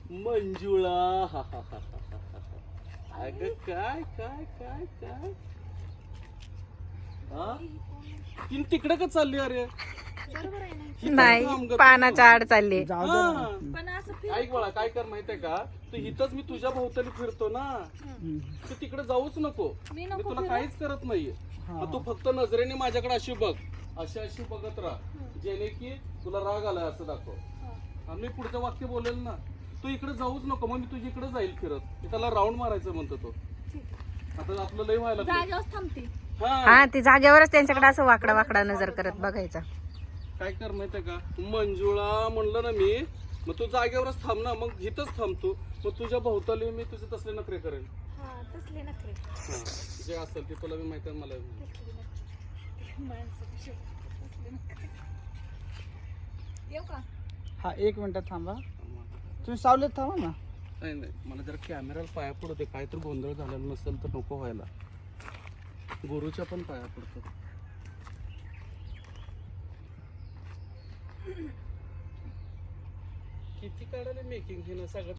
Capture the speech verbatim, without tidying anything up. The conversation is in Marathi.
मंजुळा हा हा हा हा अगं काय काय काय काय हा तीन तिकडे का चालली अरे बरोबर आहे ना. इथंच नाही थांब गं तू. पानाच्या आड चालली. जाऊ दे हा. ना. पण असं फिर ऐक बाळा काय कर माहितीये का तू इथंच मी तुझ्या भोवताली फिरतो ना हम्म. तू तिकडे जाऊच नको मी मी नको तुला फिरू? काहीच करत नाहीये हा. मग तू फक्त नजरेने माझ्याकडे अशी बघ अशी अशी बघत राहा जेणे की तुला राग आलाय असं दाखव आणि मी पुढचं वाक्य बोलेल ना तू इकडे जाऊच नको मग मी तुझ्या इकडे जाईल फिरत मी त्याला राऊंड मारायचं म्हणतो तो आता आपलं लय व्हायला लागलंय. जागेवर थांबते. हा हा ती जागेवरच त्यांच्याकडे असं वाकडा वाकडा नजर करत बघायचा. काय कर माहितीये का मंजुळा म्हणलं ना मी मग तू जागेवरच थांब ना मग इथंच थांबतो मग तुझ्या भोवताली मी तुझे तसले नखरे करेन हा तसले नखरे. हा जे असेल ते तुला मी माहिती आहे मला बी. तसले नखरे. माणसं कशी असतात, तसले नखरे. येऊ का? हा एक मिनिट थांबा तुम्ही सावलीत थांबा ना. नाही नाही मला जरा कॅमेराला पाया पडते काय तर गोंधळ झालेला नसेल तर नको व्हायला गुरुच्या पण पाया पडतो किती काढायला मेकिंग हे ना सगळं